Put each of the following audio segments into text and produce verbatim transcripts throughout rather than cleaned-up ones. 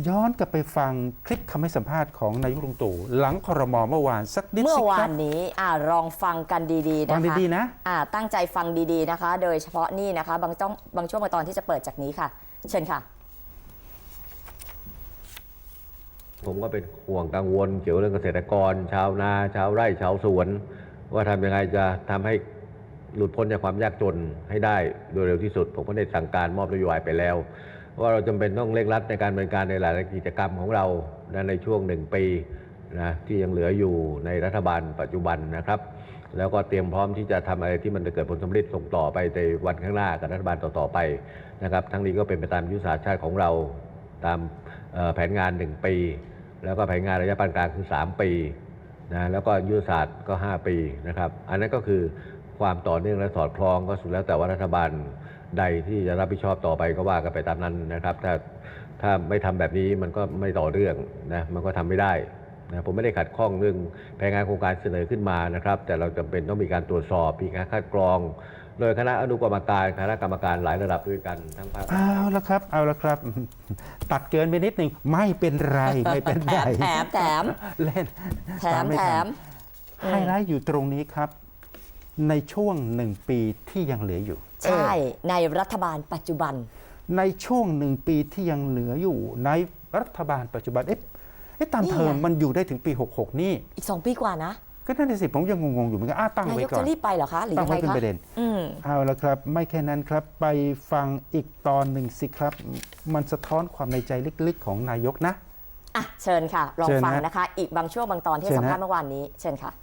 ย้อนกลับไปฟังคลิปคำให้สัมภาษณ์ของนายกลุงตู่หลังครม.เมื่อวานสักนิดสิครับเมื่อวานนี้อ่าลองฟังกันดีๆนะคะฟังดีๆนะอ่าตั้งใจฟังดีๆนะคะ โดยเฉพาะนี่นะคะบางต้องบางช่วงบางตอนที่จะเปิดจากนี้ค่ะ เชิญค่ะผมก็เป็นห่วงกังวลเกี่ยวกับเรื่องเกษตรกร ชาวนาชาวไร่ชาวสวน ว่าทำยังไงจะทำให้หลุดพ้นจากความยากจนให้ได้โดยเร็วที่สุดผมก็ได้สั่งการมอบนโยบายไปแล้วว่าเราจำเป็นต้องเร่งรัดในการดำเนินการในหลายกิจกรรมของเราในช่วงหนึ่งปีนะที่ยังเหลืออยู่ในรัฐบาลปัจจุบันนะครับแล้วก็เตรียมพร้อมที่จะทำอะไรที่มันจะเกิดผลสำเร็จส่งต่อไปในวันข้างหน้ากับรัฐบาลต่อๆไปนะครับทั้งนี้ก็เป็นไปตามยุทธศาสตร์ชาติของเราตามแผนงานหนึ่งปีแล้วก็แผนงานระยะปานกลางคือสามปีนะแล้วก็ยุทธศาสตร์ก็ห้าปีนะครับอันนั้นก็คือความต่อเนื่องและสอดคล้องก็สุดแล้วแต่ว่ารัฐบาลใดที่จะรับผิดชอบต่อไปก็ว่ากันไปตามนั้นนะครับถ้าถ้าไม่ทำแบบนี้มันก็ไม่ต่อเรื่องนะมันก็ทำไม่ได้นะผมไม่ได้ขัดข้องเรื่องแผนงานโครงการเสนอขึ้นมานะครับแต่เราจำเป็นต้องมีการตรวจสอบมีการคัดกรองโดยคณะอนุกรรมการคณะกรรมการหลายระดับด้วยกันทั้งภาคเอาละครับเอาละครับตัดเกินไปนิดหนึ่งไม่เป็นไรไม่เป็นไรแถมแถมเล่นแถมแถมไฮไลท์อยู่ตรงนี้ครับในช่วงหนึ่งปีที่ยังเหลืออยู่ใช่ในรัฐบาลปัจจุบันในช่วงหนึ่งปีที่ยังเหลืออยู่ในรัฐบาลปัจจุบันเอ๊ะเอ๊ะตามเทอมมันอยู่ได้ถึงปีหกสิบหกนี่อีกสองปีกว่านะก็นั่นสิผมยังงงๆอยู่เหมือนกันอ้าตั้งไว้ก่อนนายกจะรีบไปเหรอคะหรือยังไงคะตั้งไว้เป็นประเด็นเอาละครับไม่แค่นั้นครับไปฟังอีกตอนหนึ่งสิครับมันสะท้อนความในใจลึกๆของนายกนะอ่ะเชิญค่ะลองฟังนะคะอีกบางช่วงบางตอนที่สัมภาษณ์เมื่อวานนี้เชิญค่ะ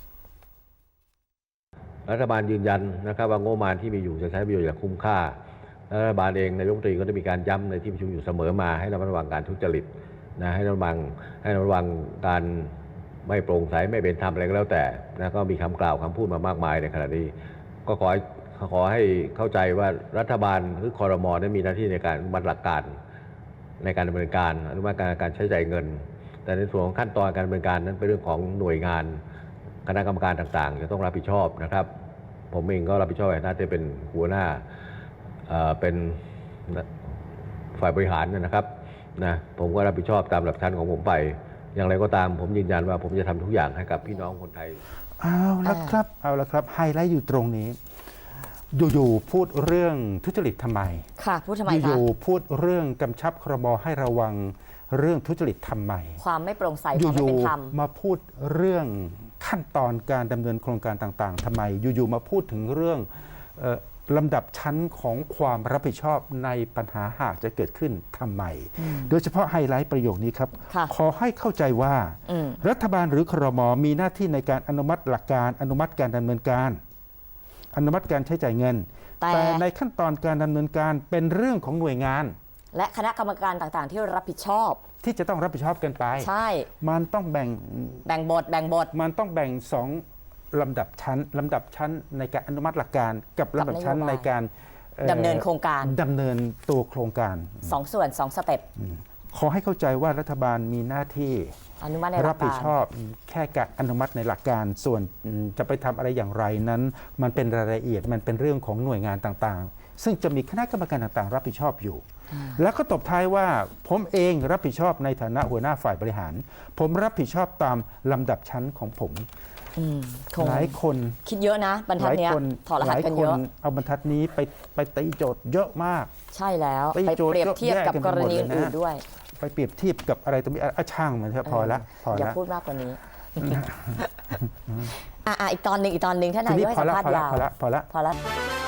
รัฐบาลยืนยันนะครับว่างบประมาณที่มีอยู่จะใช้ประโยชน์อย่างคุ้มค่ารัฐบาลเองนายกรัฐมนตรีก็ได้มีการย้ำในที่ประชุมอยู่เสมอมาให้ระมัดระวังการทุจริตนะให้ระวังให้ระวังการไม่โปร่งใสไม่เป็นธรรมอะไรก็แล้วแต่นะก็มีคำกล่าวคำพูดมามากมายในขณะนี้ก็ขอขอให้เข้าใจว่ารัฐบาลหรือครม.นั้นมีหน้าที่ในการบันหลักการในการดำเนินการอนุมัติการการใช้จ่ายเงินแต่ในส่วนของขั้นตอนการดำเนินการนั้นเป็นเรื่องของหน่วยงานคณะกรรมการต่างๆจะต้องรับผิดชอบนะครับผมเองก็รับผิดชอบในหน้าที่เป็นหัวหน้าเป็นฝ่ายบริหารนะครับนะผมก็รับผิดชอบตามหลักชั้นของผมไปอย่างไรก็ตามผมยืนยันว่าผมจะทำทุกอย่างให้กับพี่น้องคนไทยเอาละครับเอาละครับไฮไลท์อยู่ตรงนี้อยู่ๆพูดเรื่องทุจริตทำไมค่ะพูดทำไมคะอยู่ๆพูดเรื่องกำชับครม.ให้ระวังเรื่องทุจริตทำไมความไม่โปร่งใสความไม่เป็นธรรมมาพูดเรื่องขั้นตอนการดำเนินโครงการต่างๆทำไมอยู่ๆมาพูดถึงเรื่องลำดับชั้นของความรับผิดชอบในปัญหาหากจะเกิดขึ้นทำไมโดยเฉพาะไฮไลท์ประโยคนี้ครับขอให้เข้าใจว่ารัฐบาลหรือครม.มีหน้าที่ในการอนุมัติหลักการอนุมัติการดำเนินการอนุมัติการใช้จ่ายเงินแต่ในขั้นตอนการดำเนินการเป็นเรื่องของหน่วยงานและคณะกรรมการต่างๆที่รับผิดชอบที่จะต้องรับผิดชอบกันไปใช่มันต้องแบ่งแบ่งบทแบ่งบทมันต้องแบ่งสองลำดับชั้นลำดับชั้นในการอนุมัติหลักการกับลำดับชั้นในการดำเนินโครงการดำเนินตัวโครงการสองส่วนสองสเต็ปขอให้เข้าใจว่ารัฐบาลมีหน้าที่อนุมัติในรับผิดชอบแค่การอนุมัติในหลักการส่วนจะไปทำอะไรอย่างไรนั้นมันเป็นรายละเอียดมันเป็นเรื่องของหน่วยงานต่างๆซึ่งจะมีคณะกรรมการต่างๆรับผิดชอบอยู่แล้วก็ตบท้ายว่าผมเองรับผิดชอบในฐานะหัวหน้าฝ่ายบริหารผมรับผิดชอบตามลำดับชั้นของผมหลายคนคิดเยอะนะบรรทัดนี้ถอดรหัสกันเยอะเอาบรรทัดนี้ไปไปตีโจทย์เยอะมากใช่แล้วไปเปรียบเทียบกับกรณีอื่นๆด้วยไปเปรียบเทียบกับอะไรตรงนี้อ่ะช่างมันเถอะพอละพอละอย่าพูดมากกว่านี้อ่ะอีกตอนหนึ่งอีกตอนหนึ่งท่านนายกให้สัมภาษณ์ยาวพอละพอละพอละ